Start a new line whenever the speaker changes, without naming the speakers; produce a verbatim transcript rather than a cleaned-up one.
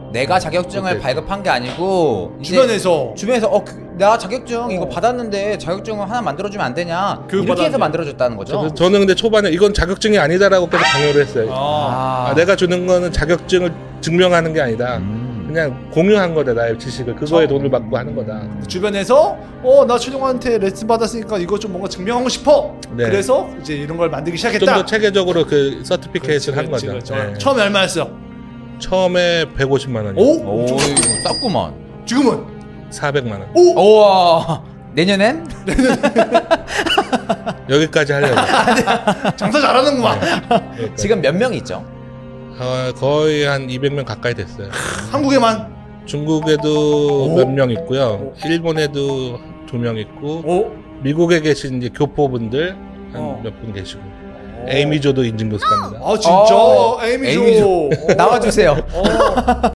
내가 자격증을
오케이.
발급한 게 아니고 이제
주변에서
주변에서 어, 그, 나 자격증 이거
어.
받았는데 자격증을 하나 만들어주면 안 되냐
교육
이렇게 해서
받았는데.
만들어줬다는 거죠.
저, 저는 근데 초반에 이건 자격증이 아니다라고 계속 강요를 했어요.
아,
아, 내가 주는 거는 자격증을 증명하는 게 아니다.
음.
그냥 공유한 거다, 나의 지식을. 그거에
저-
돈을 받고 하는 거다.
주변에서 어 나 최종한테 레슨 받았으니까 이거 좀 뭔가 증명하고 싶어.
네.
그래서 이제 이런 걸 만들기
좀
시작했다.
더 체계적으로 그 서티피케이트를 한
그렇지,
거죠.
그렇지.
네.
처음에 얼마였어?
처음에 백오십만 원이요.
오?
오,
엄청
이거 쌌구만.
지금은
사백만 원.
오?
우와, 내년엔?
여기까지 하려고.
장사 잘하는구만.
여기까지.
지금 몇 명 있죠?
어, 거의 한 이백 명 가까이 됐어요.
한국에만.
중국에도
오?
몇 명 있고요. 일본에도 두 명 있고,
오?
미국에 계신 이제 교포분들 한
어.
몇 분 계시고, 에이미조도 인증교수 갑니다.
아 진짜
어,
에이미조.
에이미조.
어.
나와주세요.
어.